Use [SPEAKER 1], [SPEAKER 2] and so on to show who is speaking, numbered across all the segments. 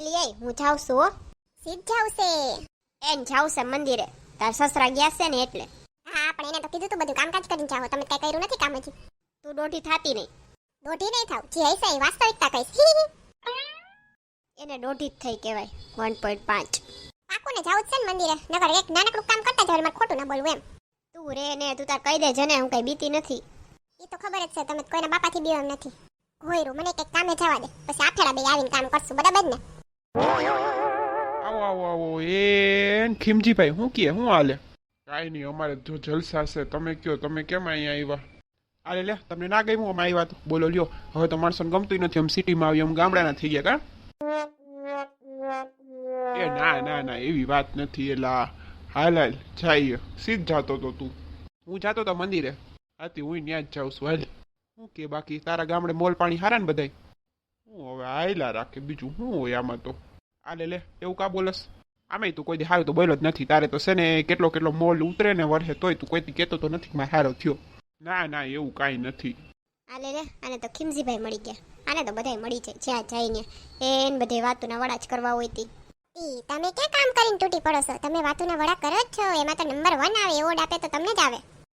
[SPEAKER 1] એલી હું જાઉં છું હો.
[SPEAKER 2] સીધ જાવ છે.
[SPEAKER 1] એન જાઉં છે મંદિરે. તાર સસરા ગયા છે ને એટલે.
[SPEAKER 2] હા પણ એને તો કીધું તું બધું કામકાજ કરીને જાઓ, તમે કઈ કર્યું નથી કામ હજી.
[SPEAKER 1] તું દોઢી થાતી નહીં.
[SPEAKER 2] દોઢી નહીં થાવ, જે હશે એ વાસ્તવિકતા કહીશ.
[SPEAKER 1] એને દોઢી જ થઈ કહેવાય. 1.5.
[SPEAKER 2] પાકું ને જાવું જ છે ને મંદિરે, નકર એક નાનકડું કામ કરતા જાવ, મારે ખોટું ના બોલવું એમ.
[SPEAKER 1] તું રે ને તું તાર કહી દે જને, હું કઈ બીતી નથી.
[SPEAKER 2] એ તો ખબર જ છે, તમે કોઈના બાપાથી બીવ એમ નથી. હોયરું મને કઈક કામે જવા દે, પછી આફેડા બે આવીને કામ કરશું, બરાબર ને?
[SPEAKER 3] આવો આવો આવો એ ખીમજીભાઈ, શું કહે, શું હાલે? કાંઈ નહીં, અમારે જો જલસા છે. તમે કયો, તમે કેમ અહીંયા આવ્યા? અરે લે, તમને ના ગમ્યું અમે આવ્યા તો? બોલો લ્યો, હવે તો માણસોને ગમતું નથી, આમ સિટીમાં આવી, આમ ગામડાના થઈ ગયા કા? એ ના ના ના, એવી વાત નથી. એલા હાલ હાલ જઈએ, સીધ જાતો તો તું. હું જાતો તો મંદિરે, આથી હું ત્યાં જ જાઉં છું. હાલ, શું કે બાકી તારા ગામડે મોલ પાણી હારા ને બધાય? હું હવે આયલા રાખે, બીજું શું હોય આમાં તો. આલે લે, એવું કા બોલસ? આમે તું કોઈ દી હારું તો બોલ્યો જ નથી. તારે તો છે ને કેટલો કેટલો મોલ ઉતરે ને વરસે તોય તું કોઈથી કહેતો તો નથી કે મારે હારો થયો. ના ના, એવું કાંઈ નથી.
[SPEAKER 1] આલે રે, આને તો ખીમજીભાઈ મળી ગયા. આને તો બધાય મળી જાય જ્યાં જઈને. એને બધે વાતોના વડા જ કરવા હોય તી.
[SPEAKER 2] તમે ક્યાં કામ કરીને તૂટી પડો છો? તમે વાતોના વડા કરો જ છો, એમાં તો નંબર 1 આવે, એવોર્ડ આપે તો તમને જ આવે.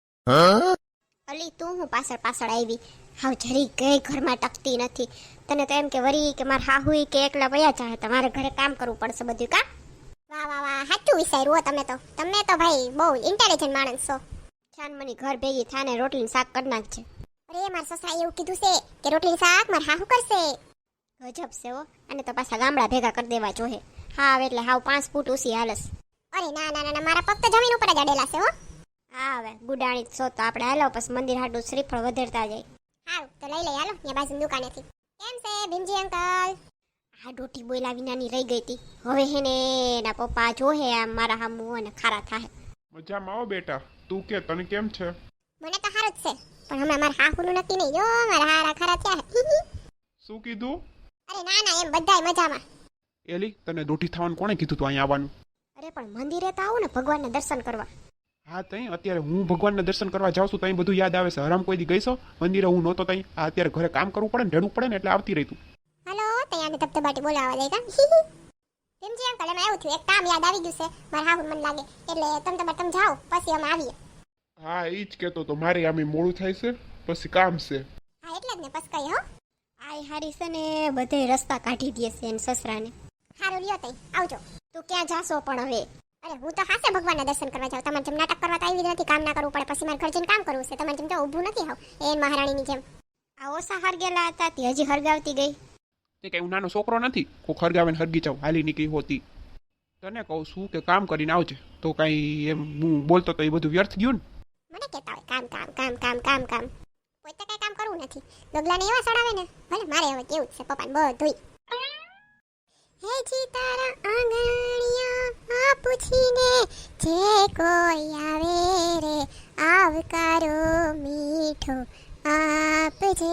[SPEAKER 1] અલી તું હું પાછળ પાછળ આવી? હાવ જરી કઈ ઘરમાં ટકતી નથી. તને તો એમ કે વરી કે માર હાહુઈ કે એકલા વયા જાય, તમારે ઘરે કામ કરવું પડશે બધું કા?
[SPEAKER 2] વાહ વાહ વાહ, સાચું વિચાર્યું હો તમે તો. તમે તો ભાઈ બહુ ઇન્ટેલિજન્ટ માણસ છો.
[SPEAKER 1] છાનમની ઘર ભેગી થાને રોટલી શાક કરી નાખજે.
[SPEAKER 2] અરે મારા સસરાએ એવું કીધું છે કે રોટલી શાક માર હાહુ કરશે.
[SPEAKER 1] ગજબ છે હો. અને તો પાછા ગામડા ભેગા કરી દેવા જોહે. હાવ એટલે હાવ 5 ફૂટ ઊંચી હાલસ.
[SPEAKER 2] અરે ના ના ના, મારા પગ તો જમીન ઉપર જ અડેલા છે હો.
[SPEAKER 1] હા હવે ગુડાણી જ છો તો આપણે હાલો પછી મંદિર હાટું શ્રીફળ વધેરતા જાય.
[SPEAKER 2] હારું તો લઈ લઈ હાલો, ત્યાં બાજુ દુકાનેથી. કેમ છે ભીમજી અંકલ?
[SPEAKER 1] આ ડોટી બોયલા વિનાની રહી ગઈ હતી. હવે હેને એના પપ્પા જોહે આમ મારા હામું અને ખારા થાય.
[SPEAKER 3] મજામાં આવો બેટા, તું કે તને કેમ છે?
[SPEAKER 2] મને તો સારું જ છે, પણ હમણાં મારા હાહુનું નક્કી નહીં. જો મારા હારા ખરા થયા.
[SPEAKER 3] શું કીધું?
[SPEAKER 2] અરે ના ના, એમ બધાય મજામાં.
[SPEAKER 3] એલી, તને દોઢી થવાનું કોણે કીધું તું અહીંયા આવવાનું?
[SPEAKER 1] અરે પણ મંદિરે તો આવું ને ભગવાનના દર્શન કરવા.
[SPEAKER 3] હા તઈ અત્યારે હું ભગવાનના દર્શન કરવા જાઉં છું, તઈ બધું યાદ આવે છે. હરામ કોઈ દી ગઈશો મંદિરે? હું નહોતો તઈ. આ અત્યારે ઘરે કામ કરવું પડે ને, ઢેડવું પડે ને, એટલે આવતી રહી તું.
[SPEAKER 2] હાલો, તૈયારને ધબધબાટી બોલાવા દે કા. ભીમજી અંકલ, એમાં એવું થયું, એક કામ યાદ આવી ગયું છે મારા હાહુ મને લાગે, એટલે તમે જાઓ પછી અમે આવીએ.
[SPEAKER 3] હા ઈ જ કહેતો તો, મારે આમે મોડું થાય છે, પછી કામ છે.
[SPEAKER 2] હા એટલે જ ને, પછી કઈ હો.
[SPEAKER 1] આય હારી છે ને બધે રસ્તા કાઢી દે છે એને સસરાને.
[SPEAKER 2] સારું લ્યો તઈ, આવજો.
[SPEAKER 1] તું ક્યાં જાશો પણ હવે?
[SPEAKER 2] અરે હું તો હાસે ભગવાનના દર્શન કરવા જાઉં. તમારે જેમ નાટક કરવા તો આવી જ નથી, કામ ના કરવું પડે, પછી મારે ઘર જઈને કામ કરવું છે. તમારે જેમ તો ઊભું નથી હાવ એ મહારાણીની જેમ.
[SPEAKER 1] આ ઓસા હરગેલા હતા તે હજી હરગાવતી ગઈ.
[SPEAKER 3] તે કઈ હું નાનો છોકરો નથી કોઈ હરગાવે ને હરગી જાઉં, હાલી નીકળી હોતી. તને કહું છું કે કામ કરીને આવજે, તો કઈ એમ હું બોલતો તો એ બધું વ્યર્થ ગયું ને.
[SPEAKER 2] મને કહેતા હોય કામ કામ કામ કામ કામ કામ, પોતે કઈ કામ કરવું નથી. ડગલાને એવા સડાવે ને, ભલે મારે હવે કેવું છે પપ્પાને બધુંય. હે જી તારા આંગણિયા પૂછીને જે કોઈ આવે રે, આવકારો મીઠો આપજે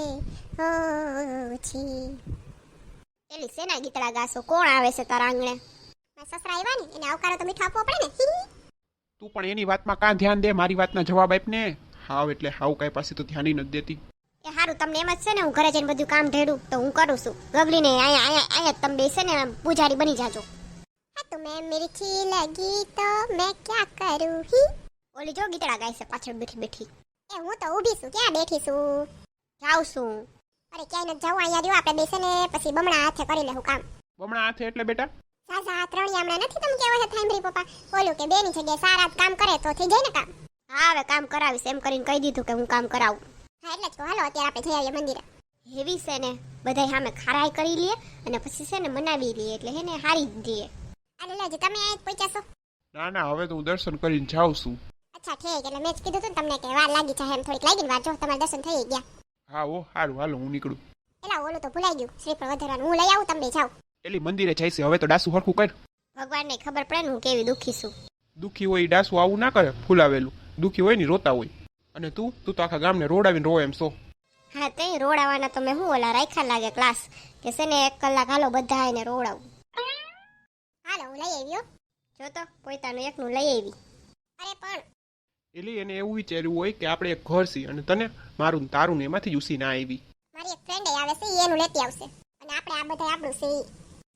[SPEAKER 2] ઓછી.
[SPEAKER 1] એલી સેના ગીતડા ગાસો? કોણ આવે છે તારા આંગણે?
[SPEAKER 2] મારા સસરા આવ્યા ને, એને આવકારો તો મીઠો આપવો પડે ને.
[SPEAKER 3] તું પણ એની વાતમાં કાં ધ્યાન દે, મારી વાતના જવાબ આપ ને. હાવ એટલે હાવ કઈ પાસે તો ધ્યાન નથી દેતી.
[SPEAKER 1] એ હારું, તમને એમ જ છે ને હું ઘરે જઈને બધું કામ ઢેડું તો હું કરું છું. ગગલીને અહીંયા તમે બેસે ને પૂજારી બની જાજો.
[SPEAKER 2] હા તો મેં મિર્ચી લગી તો મેં ક્યાં કરું હી.
[SPEAKER 1] ઓલી જો ગીતડા ગાય છે પાછળ બેઠી બેઠી.
[SPEAKER 2] એ હું તો ઊભી છું, ક્યાં બેઠી છું?
[SPEAKER 1] જાઉં છું.
[SPEAKER 2] અરે ક્યાંય નથી જવું, અહીંયા રહ્યો આપણે બેસે ને પછી બમણા હાથે કરી લેવું કામ.
[SPEAKER 3] બમણા હાથે એટલે બેટા?
[SPEAKER 2] સાસા ત્રણિયા હમણાં નથી તમે કેવો છે થાંભરી પપ્પા, બોલું કે બેની જગ્યાએ સારા કામ કરે તો થઈ જાય ને કામ.
[SPEAKER 1] હા હવે કામ કરાવીશ એમ કરીને કહી દીધું કે હું કામ કરાવું.
[SPEAKER 2] હા એટલે જ કહો, હાલો અત્યારે આપણે જઈ આવીએ મંદિરે.
[SPEAKER 1] હેવી છે ને બધાય સામે ખારાઈ કરી લઈએ અને પછી છે ને મનાવી લઈએ, એટલે હે ને હારી જ જઈએ.
[SPEAKER 2] અરે લેજો, તમે અહીં જ પહોંચ્યા છો?
[SPEAKER 3] ના ના, હવે તો હું દર્શન કરીને જાઉં છું.
[SPEAKER 2] અચ્છા ઠીક, એટલે મેં જ કીધું હતું ને તમને કે વાર લાગી જાય એમ, થોડીક લાગી ને વાર. જો તમારા દર્શન થઈ ગયા.
[SPEAKER 3] હા ઓ સારું, હાલો હું નીકળું.
[SPEAKER 2] એલા ઓલું તો ભૂલાઈ ગયું, શ્રીફળ વધારવાનું. હું લઈ આવું, તમે બે જાઓ.
[SPEAKER 3] એલી મંદિરે જાય છે, હવે તો ડાસુ હરખું કર.
[SPEAKER 1] ભગવાનને ખબર પડે ને હું કેવી દુઃખી છું.
[SPEAKER 3] દુઃખી હોય ડાસુ આવું ના કરે, ફૂલાવેલું. દુઃખી હોય ને રોતા હોય. અને તું તો આખા ગામને રોડાવીને રો એમ છો.
[SPEAKER 1] હા તે રોડાવાના તો મેં હું ઓલા રાખ્યા લાગે ક્લાસ કે છે ને 1 કલાક હાલો બધા એને રોડાવું.
[SPEAKER 2] હાલો હું લઈ આવ્યો.
[SPEAKER 1] જો તો પોતાનું એકનું લઈ આવી.
[SPEAKER 2] અરે પણ
[SPEAKER 3] એટલે એને એવું વિચાર્યું હોય કે આપણે એક ઘર છીએ અને તને મારું ને તારું ને એમાંથી જ ઉસી ના આવી.
[SPEAKER 2] મારી એક ફ્રેન્ડ આવે છે, ઈ એનું લેતી આવશે અને આપણે આ બધા આપણું છે ઈ.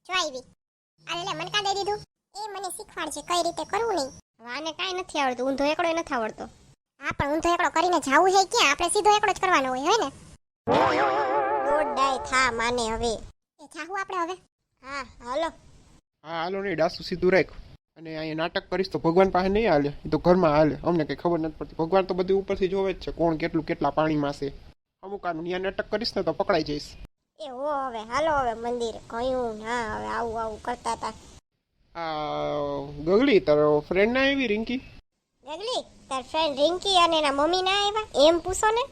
[SPEAKER 2] જો આવી આલે લે મને કા દઈ દીધું એ મને શીખવાડજે કઈ રીતે કરવું નહીં
[SPEAKER 1] આને કાંઈ નથી આવડતું, ઊંધો એકડો નથી આવડતો.
[SPEAKER 2] હા પણ ઊંધો એકડો કરીને જાવું છે ક્યાં આપણે સીધો એકડો જ કરવાનો હોય હે ને
[SPEAKER 1] દોડાય થા માને હવે.
[SPEAKER 2] એ જાવું આપણે હવે
[SPEAKER 1] હા હાલો.
[SPEAKER 3] હા હાલો નહીં, ડાસુ સીધું રાખ. અને અહીંયા નાટક કરીશ તો ભગવાન પાસે નહીં હાલે, એ તો ઘરમાં હાલે. અમને કંઈ ખબર નથી પડતી. ભગવાન તો બધું ઉપરથી જોવે જ છે, કોણ કેટલું કેટલા પાણીમાં છે. અમુક આનું ત્યાં નાટક કરીશ ને તો પકડાઈ જઈશ.
[SPEAKER 1] એ હો હવે હાલો હવે મંદિરે. કયું ના હવે આવું આવું કરતા હતા.
[SPEAKER 3] આ ગગલી તારો ફ્રેન્ડ ના આવી રિંકી?
[SPEAKER 1] ગગલી તાર ફ્રેન્ડ રિંકી અને એના મમ્મી ના આવ્યા એમ પૂછો ને.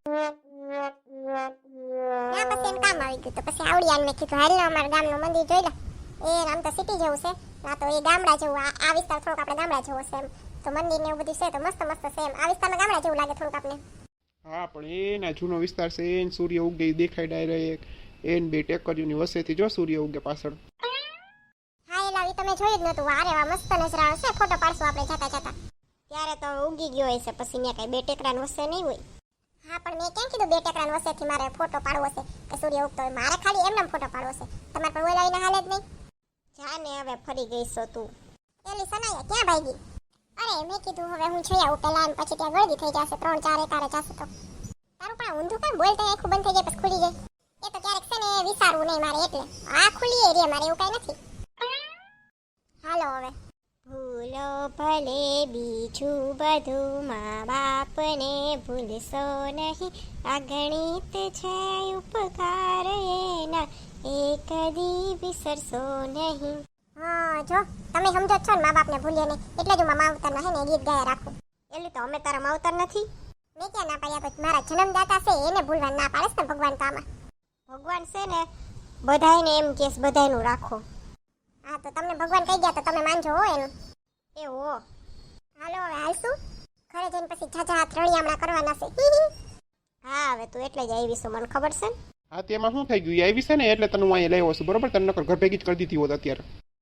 [SPEAKER 2] ત્યાં પછી એમ કામ આવી ગયું તો પછી આવડિયાને મેં કીધું હાલ ને અમારા ગામનું મંદિર જોઈ લે એ આમ તો સિટી જેવું છે ના તો એ ગામડા જેવું આ વિસ્તાર થોડોક આપણે ગામડા જેવો છે એમ તો મંદિર ને એવું બધું છે તો મસ્ત મસ્ત છે એમ આ વિસ્તારમાં ગામડા જેવું લાગે થોડુંક આપણે
[SPEAKER 3] હા પણ એના જૂનો વિસ્તાર છે, એને સૂર્ય ઉગે દેખાય ડાયરેક્ટ. એને બે ટેકરીઓની વસેથી જો સૂર્ય ઉગે પાછળ.
[SPEAKER 2] હા એ લાવી તમે જોયું જ નતું વારે વા મસ્ત નજરાણો છે ફોટો પાડશું આપણે જતા જતા
[SPEAKER 1] ત્યારે તો ઉગી ગયો હશે પછી ત્યાં કઈ બે ટેકરાન વસે નહીં હોય.
[SPEAKER 2] હા પણ મેં કેમ કીધું બે ટેકરાન વસેથી મારે ફોટો પાડવો છે કે સૂર્ય ઉગતો હોય મારે ખાલી એમને ફોટો પાડવો છે તમારે પણ ઓલાવીને હાલે જ નહીં
[SPEAKER 1] જાને હવે ફરી ગઈ છો તું.
[SPEAKER 2] એલી સનાયા ક્યાં ભાગી અરે મેં કીધું હવે હું જોઈ આવું પેલા પછી ત્યાં ગળદી થઈ જશે 3-4 એકારે જશે તો તારું પણ ઊંધું કેમ બોલતા આખું બંધ થઈ જાય પછી ખુલી જાય એ તો ક્યારેક છે ને વિચારવું નહીં મારે એટલે આ ખુલી રે મારે એવું કઈ નથી હાલો હવે
[SPEAKER 1] ભૂલો ભલે બીજું બધું મા બાપને ભૂલશો નહીં. આ ગણિત છે ઉપકાર એના એ કદી વિસરશો નહીં.
[SPEAKER 2] હા જો તમે સમજો જ છો ને મા બાપને ભૂલીએ નહીં એટલે જ હું મારા માવતરના હે ને ગીત ગાયા રાખું
[SPEAKER 1] એટલે તો અમે તારા માવતર નથી.
[SPEAKER 2] મેં ક્યાં ના પાડ્યા પછી મારા જન્મદાતા છે એને ભૂલવા ના પાડે છે ને ભગવાન તો આમાં
[SPEAKER 1] ભગવાન છે ને બધાયને એમ કેસ બધાયનું રાખો.
[SPEAKER 2] હા તો તમને ભગવાન કહી ગયા તો તમે માનજો હો એનું
[SPEAKER 1] એ હો.
[SPEAKER 2] હાલો હવે હાલશું ઘરે જઈને પછી ઝાઝા હાથ રળિયામણા કરવાના છે
[SPEAKER 1] હા હવે તું એટલે જ આવી છું મને ખબર છે ને.
[SPEAKER 3] હા તેમાં શું થઈ ગયું? એ આવી છે ને એટલે તને હું અહીંયા લઈ આવ્યો છું, બરોબર? તને નકર ઘર ભેગી જ કરી દીધી હોત અત્યારે.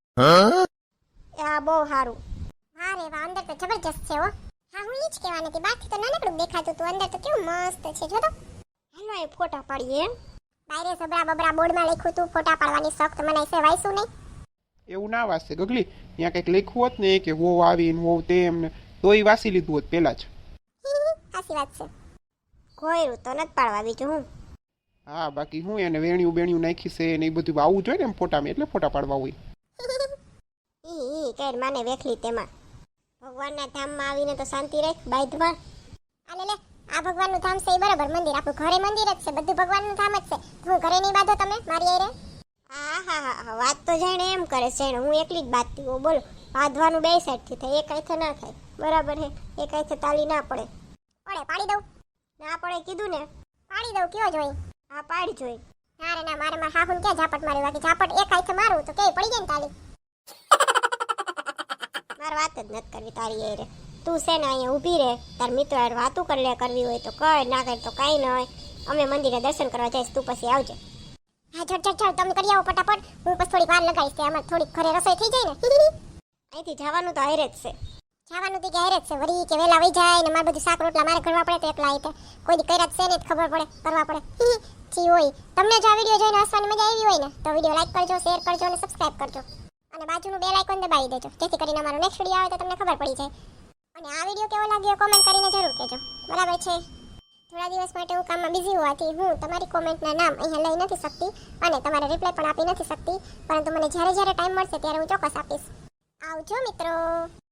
[SPEAKER 1] આ બહુ સારું.
[SPEAKER 2] વાહ રે વાહ અંદર તો જબરજસ્ત છે હો હા હું ઈ જ કહેવાની હતી બહારથી તો નાનકડું દેખાતું હતું અંદર તો કેવું મસ્ત છે જો તો
[SPEAKER 1] હાલો એ ફોટા પાડીએ એમ.
[SPEAKER 2] બાયરે સબરા બબરા બોર્ડમાં લખ્યું હતું ફોટા પાડવાની શોખ તો મને છે વાઈશું નહીં
[SPEAKER 3] એવું ના વાંચશે ગગલી. ત્યાં કંઈક લખ્યું હોત ને કે હોવ આવીને હોવ તેમ ને તો એ વાંચી લીધું હોત પહેલા જ.
[SPEAKER 2] સાચી વાત છે
[SPEAKER 1] ઘોયરું તો નથી પાડવા બીજું હું.
[SPEAKER 3] હા બાકી હું એને વેણ્યું બેણ્યું નાખી છે ને એ બધું આવું જોઈએ ને એમ ફોટામાં, એટલે ફોટા પાડવા હોય.
[SPEAKER 1] ઈ કઈ માને વેખલી તેમાં. ભગવાનના ધામમાં આવીને તો શાંતિ રાખ બાયધમાં.
[SPEAKER 2] આલે લે આ ભગવાનનું ધામ છે એ બરાબર મંદિર આપણું ઘરે મંદિર જ છે બધું ભગવાનનું ધામ જ છે હું ઘરે નહીં બાંધો તમે મારી આરે
[SPEAKER 1] હા હા હા વાત તો જાણે એમ કરે છે હું એકલી જ બાંધતી હોઉં બોલો. બાંધવાનું બે સાઈડથી થાય એક હાથે ના થાય બરાબર હે. એક હાથે તાલી ના પડે.
[SPEAKER 2] પડે પાડી દઉં
[SPEAKER 1] ના પડે કીધું ને.
[SPEAKER 2] પાડી દઉં કયો જોઈ
[SPEAKER 1] હા પાડી જોઈ.
[SPEAKER 2] ના રે ના મારે મારા હાહુન ક્યાં ઝાપટ મારી બાકી ઝાપટ એક હાથે મારું તો કે પડી જાય ને તાલી
[SPEAKER 1] મારે વાત જ નથી કરવી તારી એ રે. તું છે ને અહીંયા ઊભી રહે તાર મિત્રો યાર વાતું કરી લે કરવી હોય તો કર ના કર તો કાંઈ ન હોય. અમે મંદિરે દર્શન કરવા જઈશ તું પછી આવજે.
[SPEAKER 2] હા ચડ તમે કરી આવો ફટાફટ હું પછી થોડીક વાર લગાવીશ આમાં થોડીક ઘરે રસોઈ થઈ જાય ને
[SPEAKER 1] અહીંથી જવાનું તો હારે જ છે.
[SPEAKER 2] જવાનું તો ઘેર જ છે વળી કે વેલા વહી જાય ને મારે બધું શાક રોટલા મારે કરવા પડે તો એકલા આઈ કોઈ દી કર્યા જ છે ને ખબર પડે કરવા પડે જી હોય. તમને જો આ વિડીયો જોઈને હસવાની મજા આવી હોય ને તો વિડીયો લાઈક કરજો શેર કરજો અને સબસ્ક્રાઇબ કરજો અને બાજુનું બેલ આઇકોન દબાવી દેજો જેથી કરીને અમારો નેક્સ્ટ વિડીયો આવે તો તમને ખબર પડી જાય. અને આ વિડીયો કેવો લાગ્યો કોમેન્ટ કરીને જરૂર કહેજો બરાબર છે. થોડા દિવસ માટે હું કામમાં બિઝી હોવાથી હું તમારી કોમેન્ટના નામ અહીંયા લઈ નથી શકતી અને તમારે રિપ્લાય પણ આપી નથી શકતી પરંતુ મને જ્યારે ટાઈમ મળશે ત્યારે હું ચોક્કસ આપીશ. આવજો મિત્રો.